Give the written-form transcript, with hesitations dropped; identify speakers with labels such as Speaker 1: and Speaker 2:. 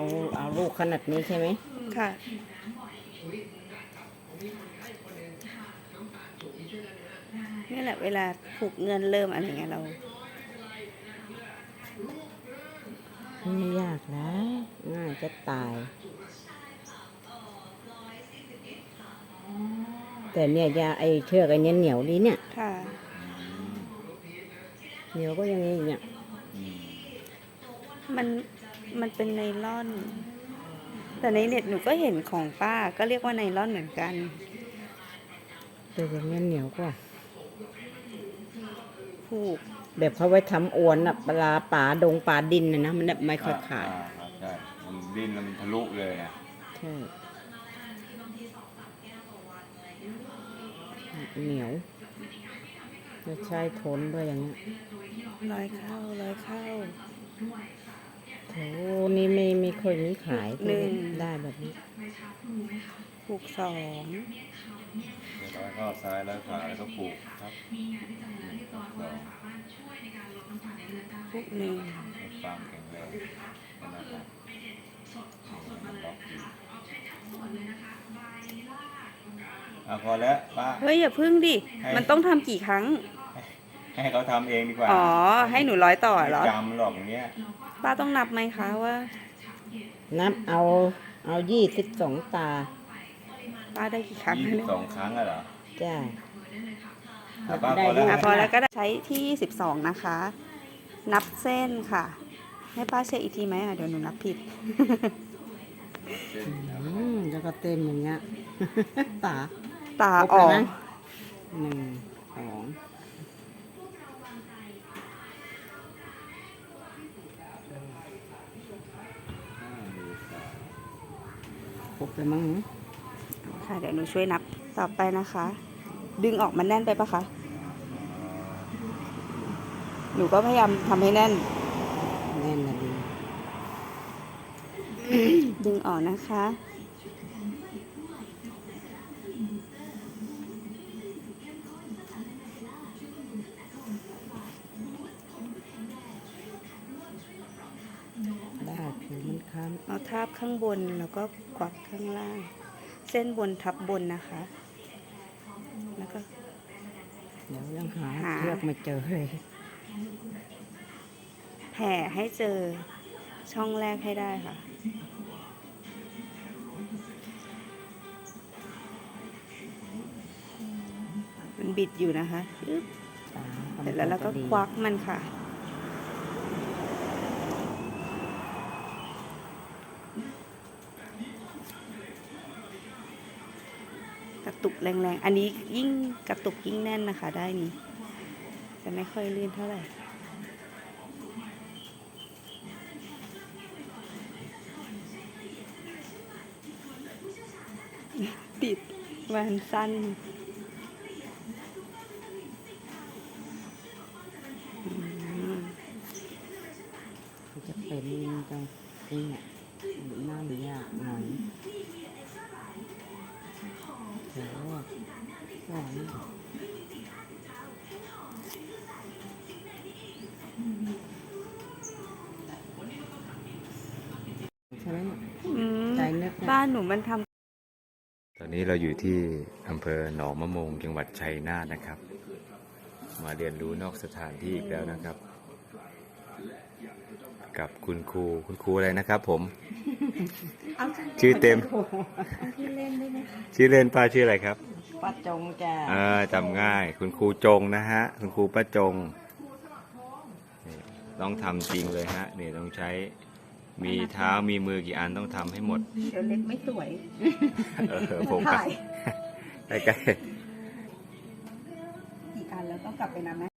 Speaker 1: เอาลูกขนาดนี้ใช่ไหม
Speaker 2: ค่ะนี่แหละเวลาผูกเงินเริ่มอะไรเงี้ยเรา
Speaker 1: ไม่ยากนะง่ายจะตาย แต่เนี่ยยาไอเชือกไอเนี้ยเหนียวดีเนี่ย
Speaker 2: ค่ะ
Speaker 1: เหนียวก็ยังไงเนี่ย
Speaker 2: มันเป็นไนล่อน แต่ในเน็ตหนูก็เห็นของป้าก็เรียกว่าไนล่อนเหมือนกัน
Speaker 1: แต่อย่างเงี้ยเหนียวกว่า
Speaker 2: ผูก
Speaker 1: แบบเขาไว้ทำอวนอะปลาป่าดงป่าดินนะมันไม่ค่อยขาด
Speaker 3: ใช่มันดิ้นแล้วมันทะลุเลยอ่ะ
Speaker 1: ใช่เหนียวจะใช้ทนด้วยอย่างเงี้ย
Speaker 2: ร้อยเข้า
Speaker 1: โอ้นี่ไม่ค่อยมีขาย
Speaker 2: หนึ่ง
Speaker 1: ได้แบบนี้
Speaker 2: ผูกสอง
Speaker 3: ร้อยเข้าซ้ายร้อยขวาแล้วก็ผูกครับ
Speaker 2: ผูกหนึ่ง
Speaker 3: ความแข็งแรงนะครับพอแล้วป้า
Speaker 2: เฮ้ยอย่าพึ่งดิมันต้องทำกี่ครั้ง
Speaker 3: ให้เขาทำเองดีกว่า
Speaker 2: อ๋อให้หนูร้อยต่อเหรอ
Speaker 3: จำหรอกอย่างเงี้ย
Speaker 2: ป้าต้องนับไหมคะว่า
Speaker 1: นับเอา22 ตา
Speaker 2: ป้าได้กี่ครั้ง
Speaker 3: 22 ครั้งเหรอ
Speaker 1: จ้า
Speaker 3: ป้าพอแล้ว
Speaker 2: พอแล้วก็ใช้ที่22นะคะนับเส้นค่ะให้ป้าเช็คอีกทีไหมเดี๋ยวหนูนับผิด
Speaker 1: แล้วก็เต็มอย่างเงี้ย
Speaker 2: ตาออก
Speaker 1: 1 2ครบไปมั้ง
Speaker 2: ค่ะเดี๋ยวหนูช่วยนับต่อไปนะคะ ดึงออกมันแน่นไปปะคะหนูก็พยายามทำให้แน่น
Speaker 1: นะ
Speaker 2: ดึงออกนะคะ
Speaker 1: ได้ผิวมันค้ำ
Speaker 2: เอาทาบข้างบนแล้วก็กวักข้างล่างเส้นบนทับบนนะคะแล้วก็
Speaker 1: เดี๋ยวยังหาเชือกไม่เจอเลย
Speaker 2: แผ่ให้เจอช่องแรกให้ได้ค่ะมันบิดอยู่นะคะเสร็จแล้วเราก็ควักมันค่ะกระตุกแรงๆอันนี้ยิ่งกระตุกยิ่งแน่นนะคะได้นี้จะไม่ค่อยลื่นเท่าไหร่ติดวันสั้น
Speaker 1: จะเป็นจังนี่เนี่ยน่าหรือยากหน่อยโอ้โหใช่ไหมใจนึก
Speaker 2: บ้านหนูมันทำ
Speaker 3: ตอนนี้เราอยู่ที่อำเภอหนองมะโมงจังหวัดชัยนาทนะครับมาเรียนรู้นอกสถานที่อีกแล้วนะครับกับคุณครูอะไรนะครับผมชื่อเต็มชื่อเล่นป้าชื่ออะไรครับ
Speaker 1: ป้าจงจ้า
Speaker 3: จำง่ายคุณครูจงนะฮะคุณครูป้าจงต้องทำจริงเลยฮะนี่ต้องใช้มีเท้ามีมือกี่อันต้องทำให้หมด
Speaker 2: เดี๋ยวเล็กไม่สวย
Speaker 3: ผม
Speaker 2: ถ่าย
Speaker 3: ใกล้
Speaker 2: กี่อันแล้วต้องกลับไปนับไหม